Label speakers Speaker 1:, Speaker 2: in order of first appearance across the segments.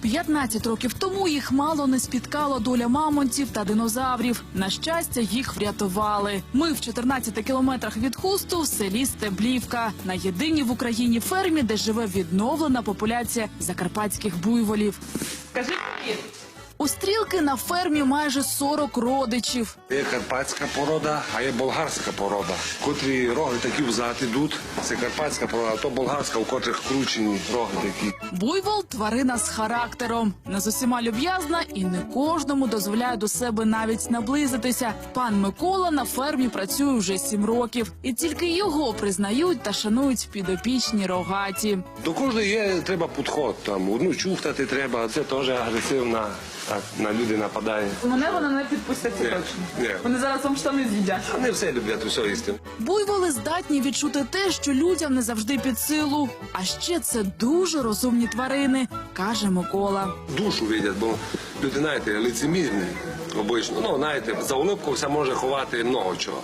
Speaker 1: 15 років тому їх мало не спіткала доля мамонтів та динозаврів. На щастя, їх врятували. Ми в 14 кілометрах від Хусту в селі Стеблівка. На єдиній в Україні фермі, де живе відновлена популяція закарпатських буйволів.
Speaker 2: Скажи привіт.
Speaker 1: У Стрілки на фермі майже 40 родичів.
Speaker 3: Є карпатська порода, а є болгарська порода. Котрі роги такі взад ідуть, це карпатська порода, а то болгарська, у котрих кручені роги такі.
Speaker 1: Буйвол – тварина з характером. Не з усіма люб'язна і не кожному дозволяє до себе навіть наблизитися. Пан Микола на фермі працює вже 7 років. І тільки його признають та шанують підопічні рогаті.
Speaker 3: До кожної є, треба підход. Там, одну чухтати треба, це теж агресивна, так, на люди нападає.
Speaker 2: Мене вона не підпуститься
Speaker 3: Ні,
Speaker 2: точно.
Speaker 3: ні.
Speaker 2: Вони зараз вам штани з'їдять.
Speaker 3: Вони все люблять, усе їсти.
Speaker 1: Буйволи здатні відчути те, що людям не завжди під силу. А ще це дуже розумні тварини, каже Микола.
Speaker 3: Душу видять, бо люди, знаєте, лицемірні обично. Ну, знаєте, за улипку все може ховати много чого.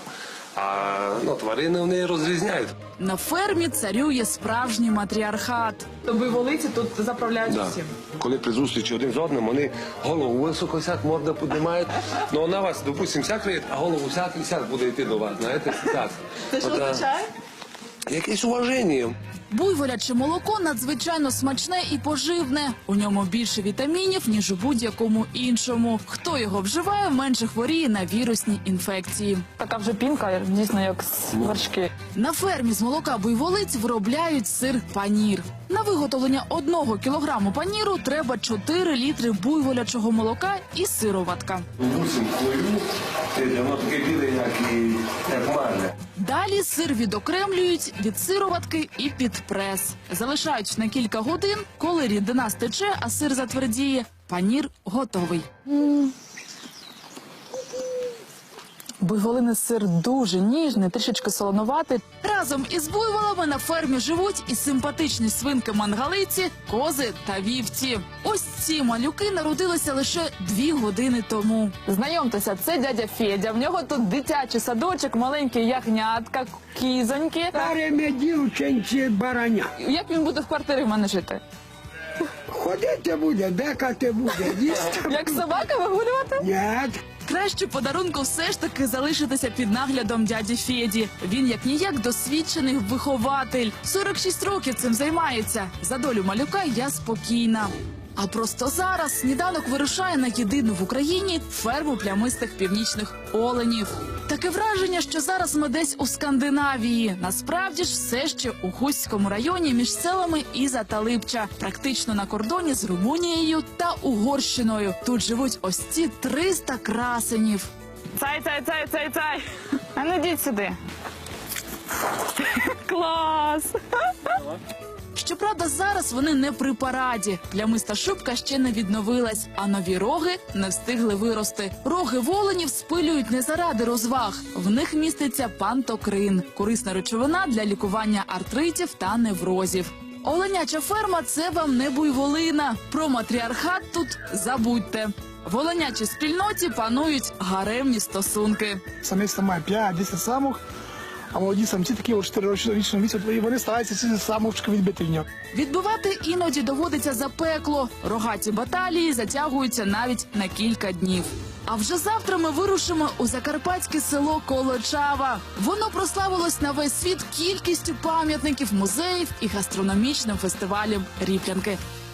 Speaker 3: А тварини вони розрізняють.
Speaker 1: На фермі царює справжній матріархат.
Speaker 2: То буйволиці тут заправляють
Speaker 3: Да.
Speaker 2: усім.
Speaker 3: Коли при зустрічі один з одним, вони голову високо сяк, морда піднімають. Ну, на вас, допустим, сяк виїть, а голову сяк буде йти до вас. Знаєте, сяк.
Speaker 2: Це що
Speaker 3: От,
Speaker 2: означає?
Speaker 3: Якесь уваження.
Speaker 1: Буйволяче молоко надзвичайно смачне і поживне. У ньому більше вітамінів, ніж у будь-якому іншому. Хто його вживає, менше хворіє на вірусні інфекції.
Speaker 2: Така вже пінка, дійсно, як з вершки.
Speaker 1: На фермі з молока буйволиць виробляють сир панір. На виготовлення 1 кілограму паніру треба 4 літри буйволячого молока і сироватка.
Speaker 3: Бусин твою, воно таке біле, як марля.
Speaker 1: Далі сир відокремлюють від сироватки і під прес. Залишають на кілька годин, коли рідина стече, а сир затвердіє, панір готовий.
Speaker 2: Буйволиний сир дуже ніжний, трішечки солонуватий.
Speaker 1: Разом із буйволами на фермі живуть і симпатичні свинки-мангалиці, кози та вівці. Ось ці малюки народилися лише 2 години тому.
Speaker 2: Знайомтеся, це дядя Федя. В нього тут дитячий садочок, маленькі ягнятка, кізоньки.
Speaker 4: Старими дівчинці бараня.
Speaker 2: Як він буде в квартирі в мене жити?
Speaker 4: Ходити буде, декати буде, їсти.
Speaker 2: Як собака вигулювати?
Speaker 4: Ні.
Speaker 1: Краще подарунку все ж таки залишитися під наглядом дяді Феді. Він як-ніяк досвідчений вихователь. 46 років цим займається. За долю малюка я спокійна. А просто зараз сніданок вирушає на єдину в Україні ферму плямистих північних оленів. Таке враження, що зараз ми десь у Скандинавії. Насправді ж все ще у Хустському районі між селами Іза та Липча. Практично на кордоні з Румунією та Угорщиною. Тут живуть ось ці 300 красенів.
Speaker 2: Цай. А ну йдіть сюди. Клас!
Speaker 1: Щоправда, зараз вони не при параді. Плямиста шубка ще не відновилась, а нові роги не встигли вирости. Роги воленів спилюють не заради розваг. В них міститься пантокрин – корисна речовина для лікування артритів та неврозів. Оленяча ферма – це вам не буйволина. Про матріархат тут забудьте. В оленячій спільноті панують гаремні стосунки.
Speaker 5: Самець має 5-10 самок, а молоді самці такі от 4-річного віку, і вони стараються ці самочки відбити в нього.
Speaker 1: Відбивати іноді доводиться запекло. Рогаті баталії затягуються навіть на кілька днів. А вже завтра ми вирушимо у закарпатське село Колочава. Воно прославилось на весь світ кількістю пам'ятників, музеїв і гастрономічним фестивалем Ріплянки.